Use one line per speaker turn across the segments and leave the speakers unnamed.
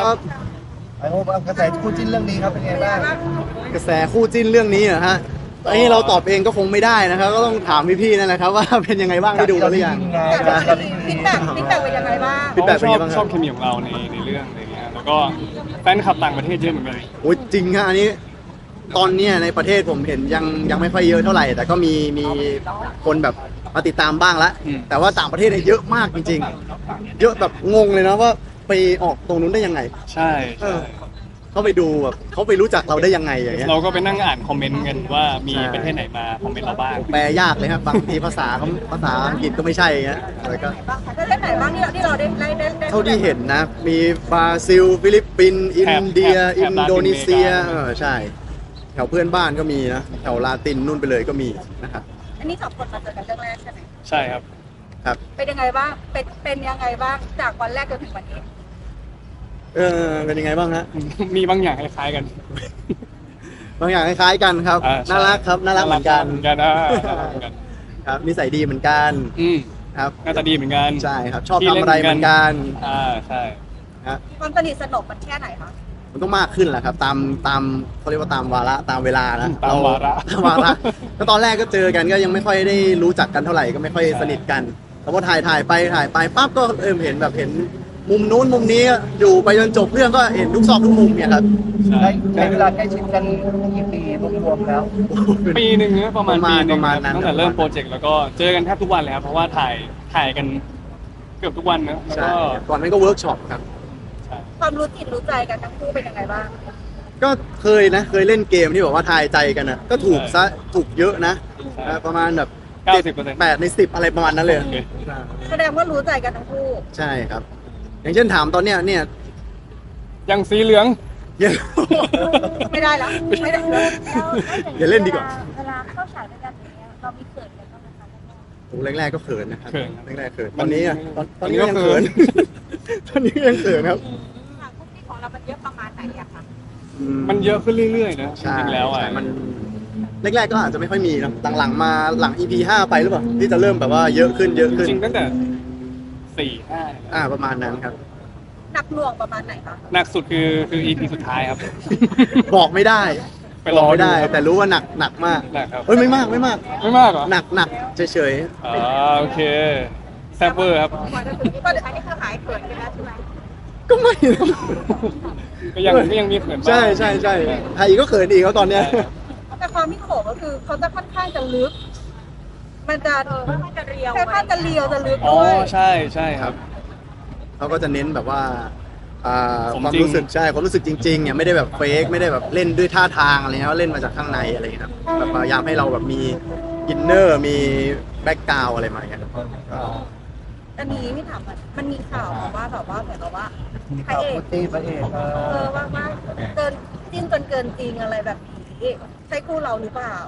ครับ
ไอ้โหกระแสคู่จิ้นเรื่องนี้ครับเป็นไงบ้าง
กระแสคู่จิ้นเรื่องนี้เหรอฮะไอ้เราตอบเองก็คงไม่ได้นะครับก็ต้องถามพี่ๆนั่นแหละครับว่าเป็นยังไงบ้างได้ดูกันหรือยัง
ฟีดแบ็กเป็นยังไงบ้าง
ฟีดแบ็กเป็น
ช
ยั
อง บ
ไงบ้าง
ช
ค
อ
รั
บบ เคมีของเราในเรื่องอะไรเงี้ยแล้วก็แฟนคลับต่างประเทศเยอะเหมือนกัน
โอ้ยจริงฮะอันนี้ตอนเนี้ยในประเทศผมเห็นยังไม่ค่อยเยอะเท่าไหร่ แต่ก็มีคนแบบมาติดตามบ้างละแต่ว่าต่างประเทศเนี่ยเยอะมากจริงๆเยอะแบบงงเลยนะว่าไปออกตรงนู้นได้ยังไง
ใช่ใช่
เขาไปดูแบบเขาไปรู้จักเราได้ยังไงอย่างเงี้ย
เราก็ไปนั่งอ่านคอมเมนต์กันว่ามี
ใช่
ประเทศไหนมาคอมเมนต์เราบ้าง
แปลยากเลยครับบางทีภาษาอังกฤษก็ไม่ใช่อย่างเงี้ยแล้วก็
ประเทศไหนบ้างที่เราได้
เท่าที่เห็นนะ มีบราซิล ฟิลิปปินส์อินเดีย
แถ
อิ
บ
น
ลาติน
โดนีเซีย
อเมริกา
ใช่ แถวเพื่อนบ้านก็มีนะ แถวลาตินนู่นไปเลยก็มีนะครับ
อันนี้สองคนมาเจอกันเรื่องแรกใช่ไหม
ใช่ครับ
ครับ
เป็นยังไงบ้างเป็นยังไงบ้างจากวันแรกจนถึงวันนี้
เป็นยังไงบ้างฮะ
มีบางอย่างคล้ายๆกัน
บางอย่างคล้ายๆกันครับ
อ่าใช่
น่ารักครับ น่ารักเหมือนกัน
น่ารักเหมือนกัน
ครับ นิสัยดีเหมือนกัน
อืม
ครับ
หน้าตาดีเหมือนกัน
ใช่ครับ ชอบทำอะไรเหมือนกัน
ใช่
ฮะ
ความสนิทสนมมันแค่ไหนคะ
มันต้องมากขึ้นแหละครับ ตามเขาเรียกว่าตามวาระตามเวลานะ
ตามวาระ
ตามวาระก็ตอนแรกก็เจอกันก็ยังไม่ค่อยได้รู้จักกันเท่าไหร่ก็ไม่ค่อยสนิทกันแล้วพอถ่ายไปปั๊บก็เห็นแบบเห็นมุมนู้นมุมนี้อยู่ไปจนจบเรื่องก็เห็นทุกซอกทุกมุมเนี่ยครับ
ใช่
ใช้เวลาใกล้ชิดกันกี่ปีรวมๆแล้ว
ปีหนึ่งนะประมาณปีหนึ่ง
ประมาณ
ครับ
นั้น
ตั้งแต่เริ่มโปรเจกต์แล้วก็เจอกันแทบทุกวันเลยครับเพราะว่าถ่ายกันเกือบทุกวันนะแล้ว
ใช่
ก็
ก่อนนั้นก็เวิร์กช็อปครับ
ใช่
ความรู้จิตรู้ใจกันทั้งคู่เป็นยังไงบ้าง
ก็เคยเล่นเกมที่บอกว่าทายใจกันนะก็ถูกซะถูกเยอะนะประมาณแบบ
90%
8 ใน 10 อะไรประมาณนั้นเลย
โอเค
แสดงว่ารู้ใจกันทั้งคู่
ใช่ครับ อย่างเช่นถามตอนเนี้ยเนี่ย
ยังสีเหลือง
ยัง
ไม่ได้แล้วไม่ได้
อย่าเล่นดีกว่า
เวลาเข้าฉากด้วยกันอย่างเงี้ยเรามีเขินกันบ้างไหมคะ
โอ้แรกๆก็เขินนะครับ
เขินครับ
แรกๆเขินตอนนี้อ่ะตอนนี้
ตอนนี้ก็
ยังเขิน ตอนนี้ยังเขินครับ
ฉากคุกกี้ของเรามันเยอะประมาณไหนอะคะ
มันเยอะขึ้นเรื่อยๆนะจ
ใช่
ริงๆแล้วอ่ะ
ใช่มันแรกๆก็อาจจะไม่ค่อยมีนะหลังๆมาหลัง EP 5ไปหรือเปล่าที่จะเริ่มแบบว่าเยอะขึ้น
จริงๆตั้งแต่4-5
ประมาณนั้นครับ
หนักหน่วงประมาณไหนคะ
หนักสุดคือ EP สุดท้ายครับ
บอกไม่ได้
ไปรอ
บอกไม่ได้
ดูครับ
แต่รู้ว่าหนักมาก
หนักครับ
เอ้ยไม่มาก
ไม่มากเหรอ
หนักเฉย
โอเคแซ่บเวอร์ครับ
กว่าจะถึงนี่ก็อันนี้คือหายเขินกันแล้วใช่ไหม
ๆก็ไม่นะ
ก็ยังมีเขินบ้าง
ใช่ไทยก็เขินอีกเขาตอนเนี้ย
แต่ความที่โขมก็คือเขาจะค่อนข้างจะลึก มันจะค่อนข้างจะเรียวค่อนข้างจะเรียวจะลึก
อ๋อ
ด้วย
ใช่ครับ
เขาก็จะเน้นแบบว่า
สม
ความ
จริง
รู้สึกความรู้สึกจริงๆเนี่ยไม่ได้แบบเฟกไม่ได้แบบเล่นด้วยท่าทางอะไรเงี้ยเล่นมาจากข้างในอะไรเงี้ยครับแบบพยายามให้เราแบบมีอินเนอร์มีแบ็กกราวอะไรมาอย่างเงี้ยครับ
อันนี้ไม่ถามมันมีข่าวมาว่าแบบว่าเหมือนกับว่าพระ
ข่าว
เอก
คู่จิ้นพระเอก
ว่าเกินจิ้นจนเกินจริงอะไรแบบนี้ใช่คู่เราหรือเปล่า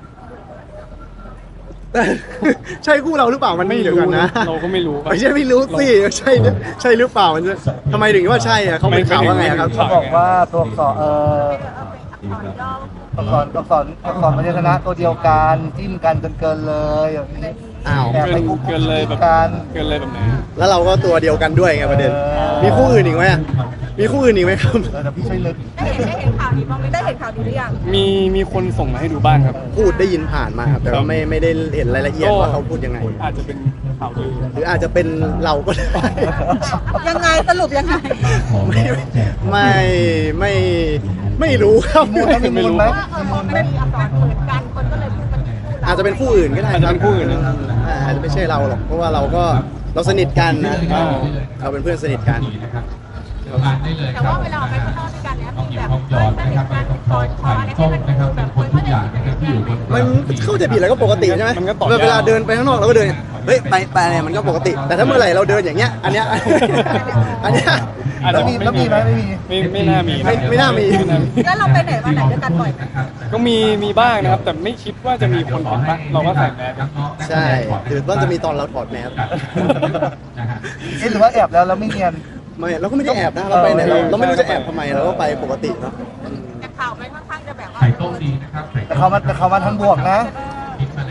ใช่คู่เราหรือเปล่ามัน
ไม่
เดี๋ยว
รู้
กัน
นะ
นะ
เราก็ไม่รู้
ไม่ใช่ไม่รู้สิใช่หรือเปล่ามันจะทำไมถึงว่าใช่อะเขาเป็นข่าวว่าไงอะครับ
เขาบอกว่าตัวอักษรอักษรพยัญชนะตัวเดียวกันจิ้มกันจนเกินเลยอย่างนี้
อ้าว
แอบไปคุก
เกินเลยแบบ
กัน
เกินเลยแบบไหน
แล้วเราก็ตัวเดียวกันด้วยไงประเด็นมีคู่อื่นอีกไหมอะมีคู่อื่นอีกไหมครับ
เดี๋ยวพี่ช่วยนึก
ได้เห็นข่าวนี้บ้างไหมได้เห็นข่าวนี้หรือยัง
มีคนส่งมาให้ดูบ้างครับ
พูดได้ยินผ่านมาครับแต่ว่าไม่ได้เห็นรายละเอียดว่าเขาพูดยังไง
อาจจะเป็นข่าวลือ
หรืออาจจะเป็นเราก็ได้
ยังไงสรุปยังไง
ไม่รู้ครับ
มูลไหมมีมูลไหม
ไม่มีอาการเขินกันคนก็เลยพูดกันคู่เรา
อาจจะเป็นคู่อื่นก็ได้
อาจจะเป็นคู่อื่นนะ
อาจจะไม่ใช่เราหรอกเพราะว่าเราสนิทกันนะเราเป็นเพื่อนสนิทกัน
แต่ว่าเวลาออกไปข้างนอกด้วยกันเนี่ยมีแบบเพื่อนสนิทกันติดต่อคออะไรให้มันดูแบบคนเข้าใจผิดกันไหม
มันเข้าใจผิดแล้วก็ปกติใช่ไหม
มันก็ต่อยาก
เวลาเดินไปข้างนอกเราก็เดินเฮ้ยไปเนี่ยมันก็ปกติ แต่ถ้าเมื่อไหร่เราเดินอย่างเงี้ยอันเนี้ย
อาจ
แล้
จะ
วมีไหมไม่มี
ไม่น่ามี
ไม่น่ามี
แล้วเราไปไหนมาไหนด้วยกันบ่อยไหม
ก็มีบ้างนะครับ แต่ไม่คิดว่าจะมีคนเห็นปะเราก็ใส่แมส
ใช่คือว่าจะมีตอนเราถอดแมส
หรือว่าแอบแล้วไม่เนียน
ไม่เราก็ไม่ได้แอบนะเราไปไหนเราไม่รู้จะแอบทำไมเราก็ไปปกติเนาะ
แต่ข่าวมันค่อนข้างจะแบบว่า
แต่เขามาทั้งบวกนะ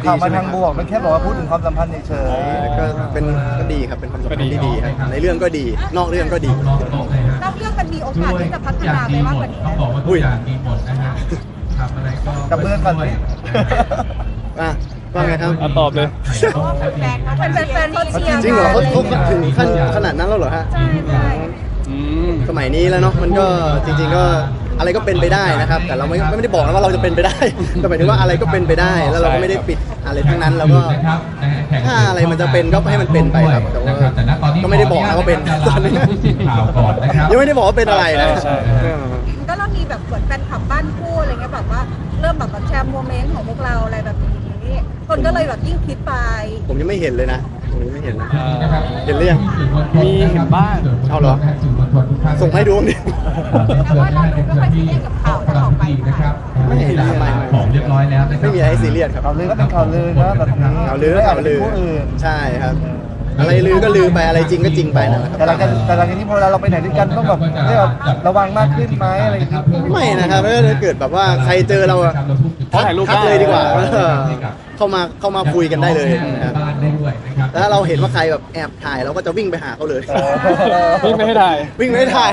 ข่าวมา
ใช่ไห
ทางบวกไม่แค่บอกว่าพูดถึงความสัมพันธ์เฉย
ก็เป็นก็ดีครับเป็นความสัมพันธ์ที่ดีครับในเรื่องก็ดี นอกเรื่องก็ดี
รอบโต๊ะเลยฮะ
นอกเรื่องมันมีโอกาสที่จะพัฒนาไปมากกว่านี้
ต้องบอกว่าทุกอย่างดีหมดนะฮะทำอะไรก็
ๆกับเพื่อนกัน
ด้วย
ว่าไงครับ
อ่ะตอบเลย
เพราะว่าแฟนๆเขาเชียร์
จริงเหรอเขาถึงขั้นขนาดนั้นแล้วเหรอฮะ
ใช่ใช่
อืม
สมัยนี้แล้วเนาะมันก็จริง ๆก็อะไรก็เป็นไปได้นะครับ แต่เราไม่ได้บอกนะว่าเราจะเป็นไปได้ แต่หมายถึงว่าอะไรก็เป็นไปได้ แล้วเราก็ไม่ได้ปิดอะไรทั้งนั้นแล้วก็
นะครับนะฮะแข่ง
ถ้าอะไรมันจะเป็นก็ให้มันเป็นไปครับแต่ว่า
นะครับแต่ณตอนนี้
ก็ไม่ได้บอกนะว่าเป็น
ขออนุญาตผู้สื่อข่าวก่อนนะครับ
ยังไม่ได้บอกว่าเป็นอะไรนะ
ใช่
มันก็เริ่มมีแบบเหมือนแฟนคลับบ้านคู่อะไรเงี้ยแบบว่าเริ่มแบบแชร์โมเมนต์ของพวกเราอะไรแบบนี้คนก็เลยแบบยิ่งคิดไป
ผมยังไม่เห็นเลยนะผมยังไม่เห็นนะ
นะครับ
เห็นหรือยัง
มีเห็นบ้าง
เอาเหรอ ส่งให้ดูดิ
แต่ว่าเราดูไม่ค่อยซีเรียสกับข่าวที่ออกไป
นะครับ
ไม่เห็นนะไม่
ของเรียบร้อยแล้วนะครับ
ไม่มีอะไรให้ซีเรียสครับ
ข่าวลือก็เป็นข่าวลือนะแบบนี้
ข่าวลือก็ข่าวลือ
ไม่จจะเป็นผู้อื่น
ใช่ครับ อะไรลือก็ลือไปอะไรจริงก็จริงไปนั่นแหละครับ
แต่หลังจากนี้พอเราไปไหนด้วยกันต้องแบบเรียกว่าระวังมากขึ้นไหมอะไรอย่างเงี้ย
ไม่นะครับถ้าเกิดแบบว่าใครเจอเราอะ
ขอถ่ายรูป
ทัก
ได้
เลยดีกว่าเข้ามาคุยกันได้เลยนะครับ
บ้านได้ด้วยนะครับ
แล้วเราเห็นว่าใครแบบแอบถ่ายเราก็จะวิ่งไปหาเขาเลย
นี่ไม่ให้ถ่าย
วิ่งไม่ถ่าย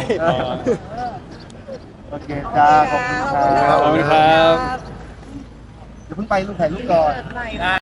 โอเคจ้าขอบคุณครับ
ขอบคุณครับ
เดี๋ยวเพิ่งไปลูกถ่ายรูปก่อน
หน่อย